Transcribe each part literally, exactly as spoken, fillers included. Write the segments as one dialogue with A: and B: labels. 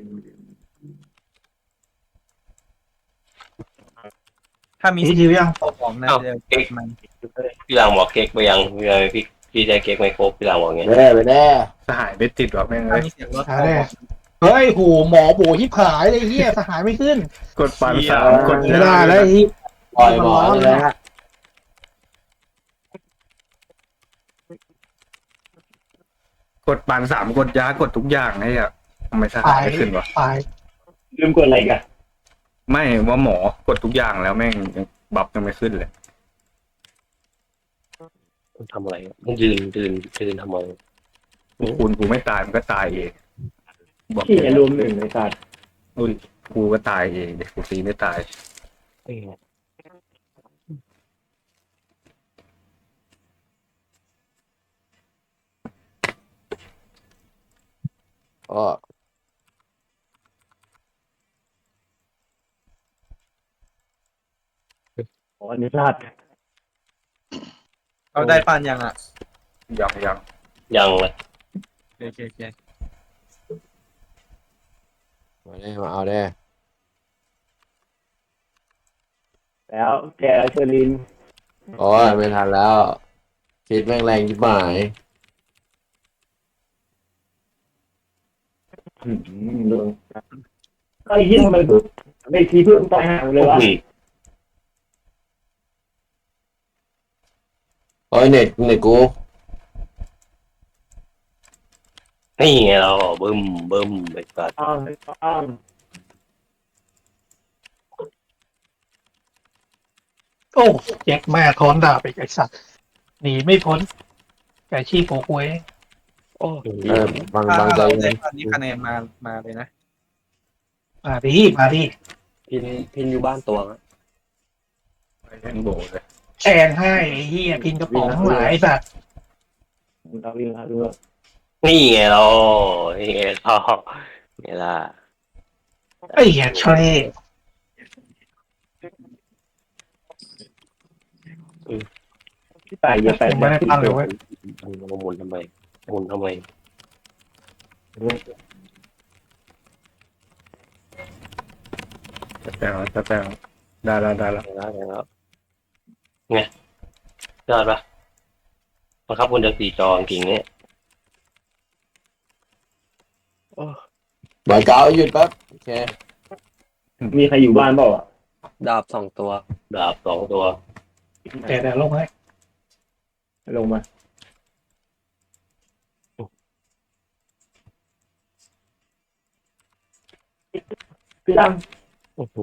A: ถ้ามี
B: พี่ดิวยัง
A: ของนะ
C: เอ้า
A: จะ
C: เก๊ก
A: มัน
C: พี่หลังบอกเก๊กไปยังพี่เลยพี่พี่ได้เก๊กไม่ครบพี่หลังบอกไง
D: แน่ไปแน่
E: สหายไม่ติดหรอกแม่ง
A: ถ้า
E: เลย
A: มีเสียงรถ
B: หาแน่เฮ้ยโหหมอโบที่ผายเลยเฮียสหายไม่ขึ้น
E: กดปันสามกด
B: ไม่ได้แล้วไอ้เหี้ย
D: ปล่อยหมอเลยฮะ
E: กดปันสามกดยากดทุกอย่างไอ้อะทำไมสหายไม่ขึ้นวะ
B: ตาย
F: ลืมกดอะไรกัน
E: ไม่ว่าหมอกดทุกอย่างแล้วแม่งยังบัฟยังไม่ขึ้นเลย
C: ทำอะไรมันยืนยืนยืนทำไม
E: คุณกูไม่ตายมันก็ตายเองบอก
F: ที่รวมหนึ่งในการ
E: อุ้ยกูก็ตายเองเด็กกูตีไม่ตาย
C: เอ้ย
D: อ๋อ
F: อ๋ออันนี้พลาด
A: เอาได้ปันยังอ่ะ
E: ยังยัง
C: ยังเลย
A: โอเคโอเค
D: มาแน่มาเอาแน่
F: แล้วแกเชอริน
D: โอ้ยไม่ทันแล้วคิดแม่งแรงยิบหมาย
F: ไอ้ยี่ทำไมปุ๊บไม่ทีเพื่อนตายห่างเลยวะ
C: อืม
D: โอ้ยเน็ตเน็ตกู
C: นี่ไงเราบึ้มบึ้มไปกัด
F: อ้าวอ้าว
B: โอ้แจ็คแม่ท้อนดาบไปไอ้สัตว์หนีไม่พ้นไก่ชีพโผล่หวย
C: โอ้
D: เออบาง
A: ถ้า
D: บางใจ
A: เรา
D: เย็
A: ได้
D: น
A: ปันนี้คะแนนมามาเลยนะ
B: มาดิมาดิ
C: พินพินอยู่บ้านตัว
E: เล่นโบเลย
B: แชงให้ไอ้เฮียพินกระป๋องหลายสัตว์
F: เราวิ่งแล้วด้วย
C: นี่ไงเรานี่ไงเรานี่ล่ะ
B: ไอ้เหี้ยเช่
F: ที่ตายเยอะไป
B: ยังไม่ได้ปันเลยเว้ย
C: มันหมุนทำไมหมุนทำไม
E: จะแต่งแล้วจะแต่งได้แล้วได้แล้ว
C: ได้แล้วไงยอดปะบังคับคนเดียวสี่จอจริงๆเนี่ย
D: บอยเก้าหยุดแป๊บโอเค
F: มีใครอยู่บ้านเปล่าอ่ะ
C: ดาบสองตัวดาบสองตัว
B: แต่แต่ลงให้
F: ลงมาพี่ตั้ง
C: โอ้โห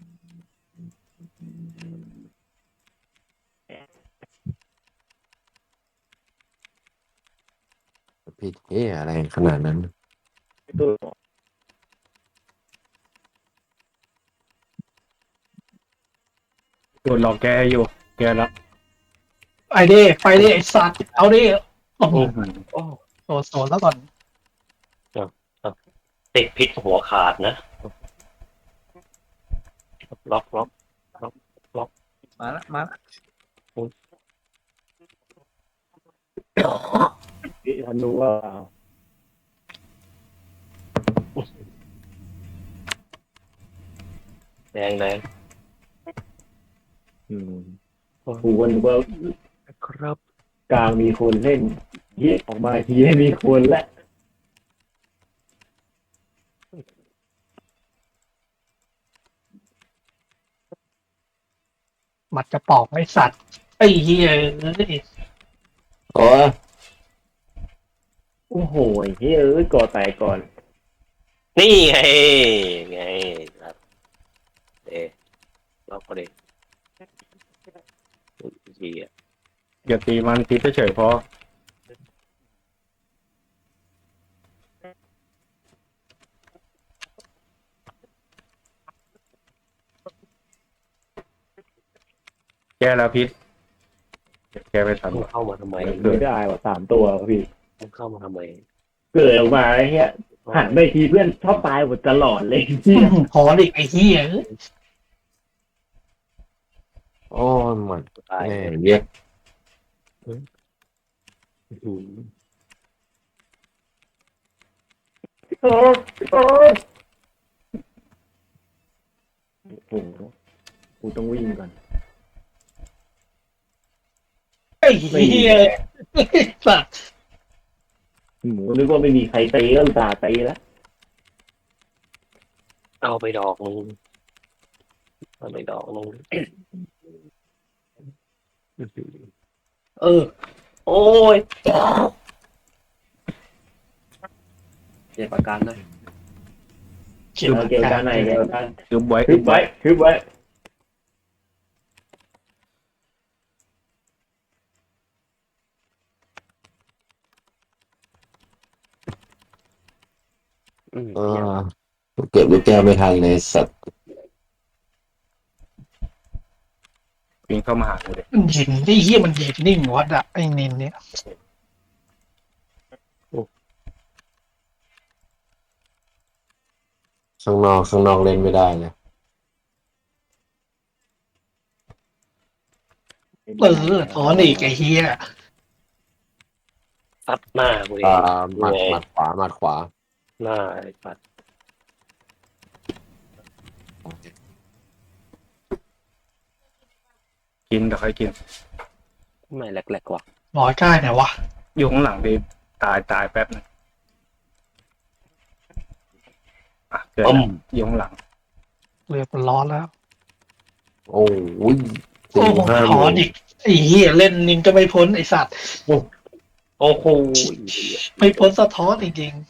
D: ผิดเฮ้ยอะไรขนาดนั้น
F: ตัว
E: โดนหลอกแกอยู่แกแล้ว
B: ไอเด้ไปเด้ไอ้สัตว์เอาดิโอ้โห
C: โอ้
B: โซนโซนแล้วก่อน
C: ติดพิษหัวขาดนะล็อกล็อก
A: มาละมาละ
F: พี่ทันรู้ว่า
C: แดงแดง
F: อืมกูวันว่า
C: ครับ
F: กลางมีคนเล่นเยี่ยออกมาทีให้มีคนและ
B: หมัดกระป๋องไอ้สัตว์ไอ้เฮียเอ้ย
D: โอ้ย
F: โอ้โหเฮ้ยเอ้ยก่อแตกก่อน
C: นี่ไงไงครับเอ๊ล็อกก็ได้ดีอ่ะ
E: อย่าตีมันตีเฉยๆพอแกแล้วพิษแกไปทัน
C: มึง
E: วะ
C: เข้ามาทำไม
F: ไม่ได้ว่ะสามตัวพี่
C: มึงเข้ามาทำไม
F: เกิดออกมาไอ้เงี้ยหันไปทีเพื่อนชอบตายหมดตลอดเลยที่
B: พอดิไอ้เฮียเอ้ย
D: โอ้ยมัน
C: ตาย
D: แม่เย็ด
C: อืม
F: โอ้โอ้โอ้โหกูต้องวิ่งก่อน
B: ไอ้เหี้ยไอ้สัตว์
F: หมูนึกว่าไม่มีใครตีก็อุตส่าห์ตีแล้ว
C: เอาไปดอกนึงเอาไปดอกนึง
F: เออ
C: โอ้ยเจ็บอาการนะ
B: เขียน
F: เอาเกี่ยวกันไหนเกี่ยวกัน
E: คือไว้
F: คึบไว้คึบไว้
C: อืม
D: เออเก็บลูกแก้วไม่ทันเลยสัตว์
E: ปิงเข้ามาหากูเลย
B: มันยิงไอ้เหี้ยมันยิงนิ่งวัดอะไอ้นินเนี่ย
D: ข้างนอกข้างนอกเล่นไม่ได้เลย
B: เออถอนอีกไอ้เหี้ย
C: ซัดหน้ากูเอ
D: อ่าง หมัดหมัดขวาหมัดขวา
C: หน้าไอ้ปัด
E: กินเดี๋ยวค่อยกิน
C: ไม่แหลกๆกว่า
B: ร้อยใกล้ไหนวะ
E: อยู่ข้างหลังดีตายตายแป๊บนึงอ่ะเกิด
C: อื
E: แล้ว
C: ม
E: อยู่ข้างหลัง
B: เรือมันร้อนแล้ว
D: โอ้ย
B: โอ้โหถอนอีกไอ้เหี้ยเล่นนินก็ไม่พ้นไอ้สัตว์
C: โอ้โห
B: ไม่พ้นสะท้อนจริง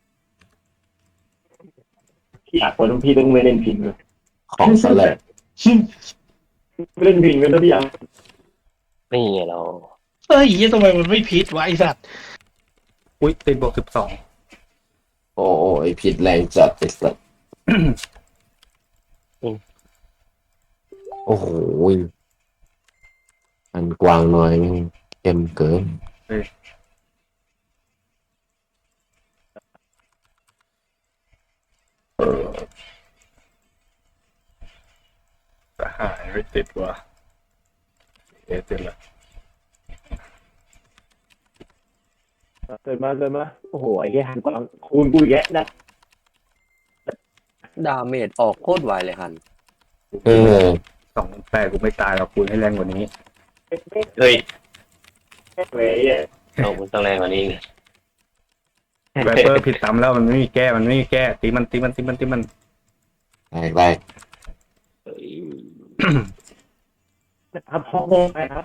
F: พี่อยากคนพี่ต้องไม่เล่นพิงเลย
D: ของสแลก
B: ๆ
F: ไม่เล่นพิงเลยนะพี่อยาก
C: นี่ไงเรา
B: เอ้ยเหี้ยทำไมมันไม่พิษวะไอ้สัตว์
E: อุ้ยติดบวกสิบสอง
D: โอ้โอ้ไอพิษแรงจัดไอสัตว์โอ้โหอันกวางน้อยนี่เข้มเกิน
E: หายไม่ติดว่ะเอะติดละ
F: เกิดมาเกิดมาโอ้โหไอ้แค่หันกวางคูณกูแยะนะ
C: ดาเมจออกโคตรไวเลยฮัน
D: เออ
E: สองแปดกูไม่ตายหรอกกูให้แรงกว่านี้
C: เฮ้ย
F: เว้ย
C: เรามันต้องแรงกว่านี้ไง
E: ไวเปอร์ผิดซ้ำแล้วมันไม่มีแก้มันไม่มีแก้ตีมันตีมันตีมันตีมัน
D: แรงแรง
C: เฮ้ย
F: ครับพ่อโมงไปครับ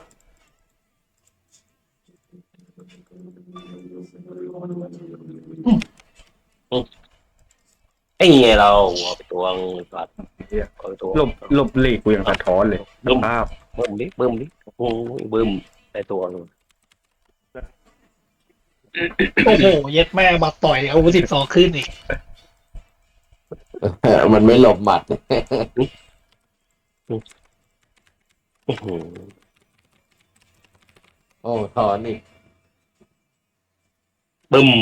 C: ไอ้ไงเราเอาไปตวงปัด
E: เหี้ย
C: เอาไปตวง
E: หลบหลบหลีกกูยังสะท้อนเลย
C: บึ้ม
E: ภาพ
C: บึ้มดิบึ้มดิโอ้ยบึ้มได้ตัวนึง
B: โอ้โหเย็ดแม่มาต่อยเอาสิบสองขึ้นอีก
D: มันไม่หลบหมัด
C: อื้อหือ
D: โอ้ถอนอีก
C: บึ้ม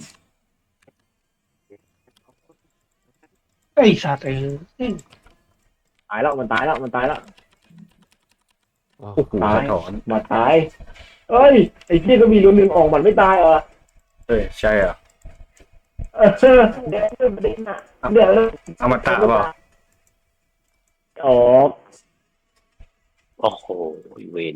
B: ไอ้สัตว์เออ
F: ตายแล้วมันตายแล้วมันตายแล้ว
E: โอ้โหสะท้อน
F: มาตายเอ้ยไอ้พี่ก็มีรุ่นหนึ่งออกมันไม่ตายเหรอ
E: เอ้ยใช่อ่ะ
F: เออเดี๋ยวเดี๋ยวเดี๋ยวเดี๋ยว
E: เอามาตาเปล่า
F: ออก
C: โอ้โหเวน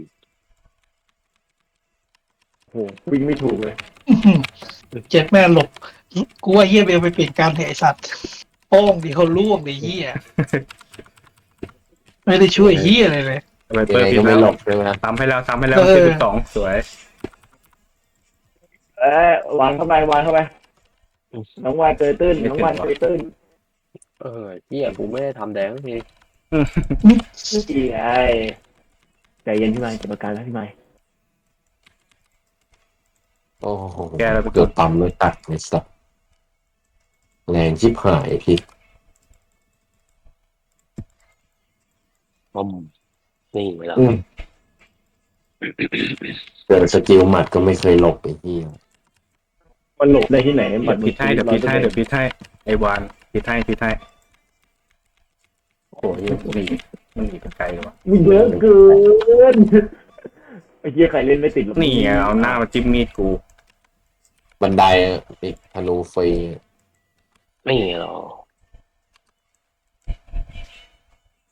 F: โหวิ่งไม่ถูกเลย
B: อื้อหือเจ็ดแม่หลบกูว่าเฮียเบลไปเปลี่ยนการเถอะไอ้สัตว์โป้งดิเขาล่วงดิเฮียไม่ได้ช่วยเฮียอะไรเลย
E: ไว
D: ยั
E: เปอง ร์
D: ไง
E: ผิด
D: ก็ไม่
E: แล้ว
D: หลบใช่ไหม
E: ตามให้แล้วตามให้แล้ว
B: เออ
E: เจ็ดสิบสองสวย
F: เอ้ยวางเข้าไปวางเข้าไปน้องวานเกยตื้นน้องวานเกยตื้น
C: เออเฮียกูไม่ได้ทำแดงสักที
F: ดีไอ้ใจเย็นพี่ไม้จัดประการแล้วพี่ไม้
D: โอ้โห
E: แก้แล้วไป
D: เกือบต่ำเลยตัดไอสัตว์แรงชิบหายพิษ
C: บึ้มนี่ไงเรา
D: อืมเกิดสกิลหมัดก็ไม่เคยหลบไอ้ที่
F: มันหลบได้ที่ไหน
E: เดี๋ยวพิดให้เดี๋ยวพิดให้เดี๋ยวพิดให้ไอวานพิดให้พิดให้โอ้โหมันหนีมันหนีไปไกลเลยวะ
F: มึงเยอะเกินไอ้เหี้ยใครเล่นไม่ติดหรอก
E: นี่ไงเอาหน้ามาจิ้มมีดกู
D: บันไดอะติดธนูฟรี
C: นี่ไงเรา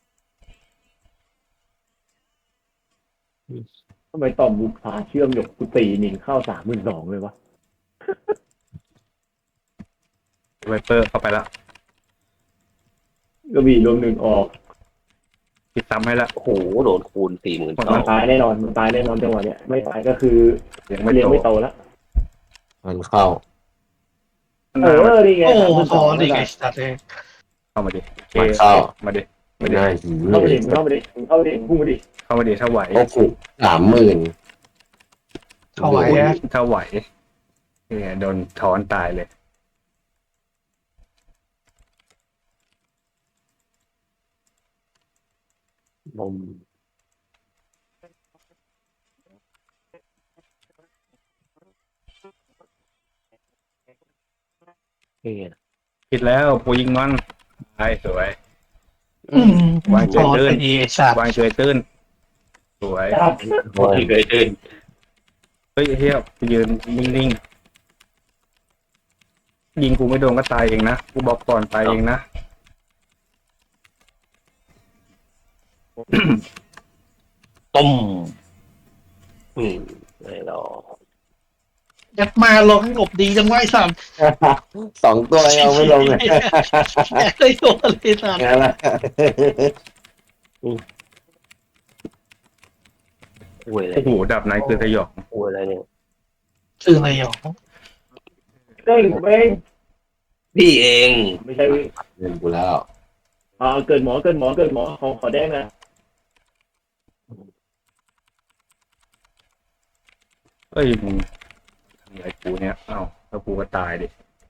F: ทำไมต่อมบุพาเชื่อมหยกกูตีหนิงเข้าสามหมื่นสองเลยวะ
E: ไวเปอร์เข้าไปละ
F: ก็มีรวมหนึ่งออก
E: ปิดซ้ำให้ละ
C: โอ้โหโดนคูณสี่หมื่นสอ
F: มั
C: ง
F: นตายแน่นอนมันตายแน่นอนจังหวะเนี้ยไม่ตายก็คือ
E: ยังไม่
F: เลี้ยง
E: โต
F: ไม่โตแล้ว
D: มันเข้า
F: เออนี่ไง
B: โอ้โห
F: สามหมื่น
B: ถ
F: ส
B: อ
F: อง
B: นอีกไอ้สัตว์เลย
E: เข้ามาดิโอเค
D: มันเข้า
E: มาดิ
D: ไม่ได้หิว
F: เข้า
D: เล
F: ไป
D: ย
F: ดิเข้าไปดิเข้าไปดิพุ่งไปดิ
E: เข้ามาดิถ้าไหว
D: โอ้โหสามหมื่น
B: เข้าไหวอะ
E: ถ้าไหวเนี่ยโดนถอนตายเลย
C: นมเฮ้ย
E: ผิดแล้วปูยิงมันตายสวย
B: อืม
E: วางใจ
B: ถอน
E: เดิน
B: ไปดีไอ้สัตว์
E: วางเฉยตื้นสวย
F: ครับ
C: โอ้ยเคยตื่น
E: เฮ้ยเฮียไปยืนนิ่งๆยิงกูไม่โดนก็ตายเองนะกูบอกก่อนตายเองนะ
C: ต้มอืมไม่หรอก
B: ยัดมาลงให้หลบดีจังไวะไอ้สัตว์
D: สองตัวยังเอาไม่ลงเลย
B: แกได้โดนเลยสัตว์
D: งั้นละ
C: อุ้ยอะไร
E: โอ้โหดับไหนคือสยอง
C: อุ้ยอะไรเนี่ย
B: คืออะไรหรอ
F: เด้งผมเอง
C: พี่เอง
F: ไม่ใช่
D: เงินกูแล้ว
F: อ่าเกิดหมอเกิดหมอเกิดหมอขอขอแดงนะ
E: เอ้ยมึงทำอะไรกูเนี่ยเอ้าแล้วกูก็ตายดิ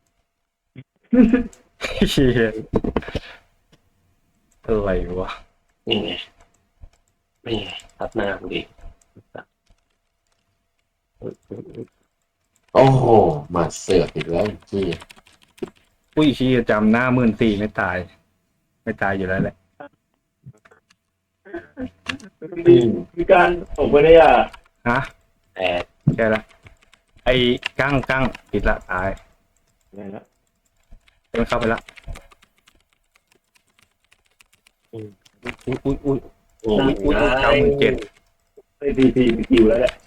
E: เฮียอะไรวะ
C: นี่ไงนี่ไงทับหน้ากูดิ
D: โอ้โหมาเสือกอีกแล้วจี้
E: อุ้ยชี้จำหน้าหมื่นสี่ไม่ตาย ไม่ตายอยู่แล้วแหละ
F: มีมีการส่งไปได้อ่ะ
E: ฮะ
C: แอด
E: แค่ละไอ้กั้งกั้งผิดละตาย
F: อะไรนะ
E: มันเข้าไปละอุ้ยอุ้ยอุ้ย
C: โอ้
E: อุ้ยอุ้ยเก้าหมื่นเจ็ด
F: ไอ้พีพีมีคิวแล้วแหละ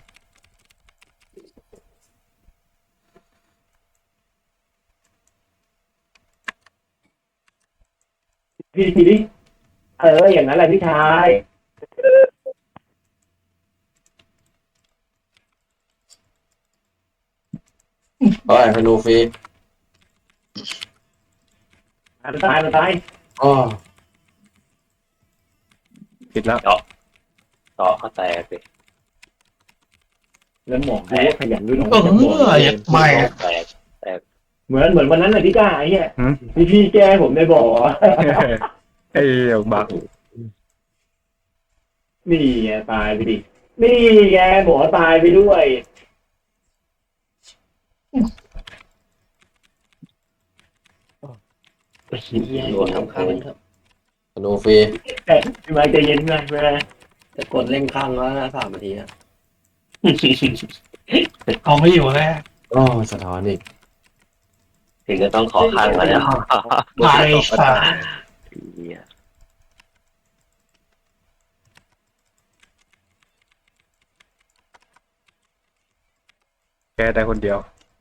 F: พี่ทีนี้เอออย่างนั้นแหละพี่ชาย
D: เฮ้ยธนูฟรี
F: มันตายมันตาย
D: อ๋อ
E: ผิดแล้ว
C: ต่อก็แตกเลย
F: แล้วหมอดูว่าขยันด้วยน้อง
B: เออยัดไม่
C: แตก
F: เหมือนเหมือนวันนั้นแหละพี่ก้าไอ้เนี่ย
E: หืม
F: พี่พี่แกผมได้บอกว่า
E: ไอ้เหี้ยบัก
F: นี่ไงตายไปดินี่แกหมอตายไปด้วย
C: โดนทำข้างครับ
D: ธนูฟรี
F: แต่พี่ไม้ใจเย็นหน่อยแม่
C: แต่กดเล่นข้างแล้วนะสามนาทีอะ
B: เอาไม่อยู่แล้ว
D: โอ้สะท้อนอีก
C: ถึงจะต้องขอข้างแล้ว
B: ตายสัตว์
E: แกได้คนเดียว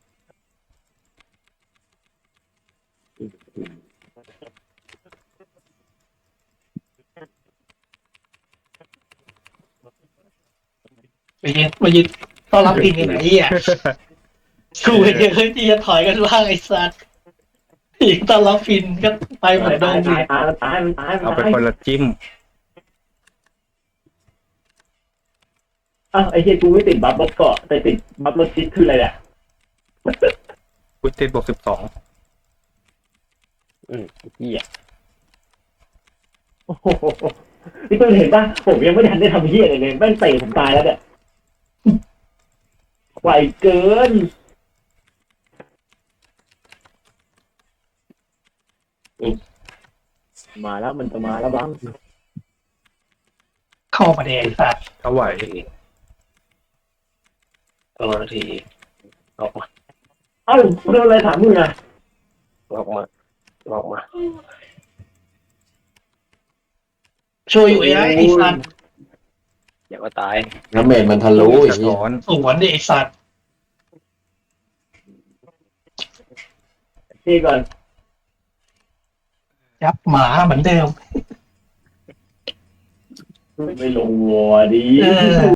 B: ไปยืนไปยืนต้อนรับพินกันไหนเหี้ยกูเห็นเลยที่จะถอยกันบ้างไอ้สัตว์อีกต้อนรับพินก็ไปเหมือนเดิ
F: ตาย
B: มดิ
F: ตายตายมันตายมัน
E: เอาไป
F: ตาย
E: คนละจิ้ม
F: อ้าวไอ้เหี้ยกูไม่ติดบัฟรถเกาะแต่ติดบัฟรถชิดคืออะไรเนี่ย
E: อุ้ยติดบวกสิบสอง
C: เหี้ย
F: โอ้โหพี่ตุ้ยเห็นป่ะผมยังไม่ทันได้ทำเหี้ยอะไรเลยแม่งเตะผมตายแล้วเนี่ยไหวเกินมาแล้วมันจะมาแล้วบ้าง
B: เข้ามาเดไอ้สัตว์
E: เท่าไหว
C: เอานาทีออกมา
F: เอ้าโดนอะไรถามมึงอ่ะ
C: ออกมาออกมา
B: ช่วยอยู่ไอ้ไอ้สัตว์
C: อย่าว่าตาย
D: น้ำเมนมันทะลุอี
E: สะ
D: กที
E: ท้อน
B: สวนดิไอสัตว์
F: พี่ก่อน
B: ยับหมาเหมือนเดิม
F: ไม่ลงวัวดี
B: เออ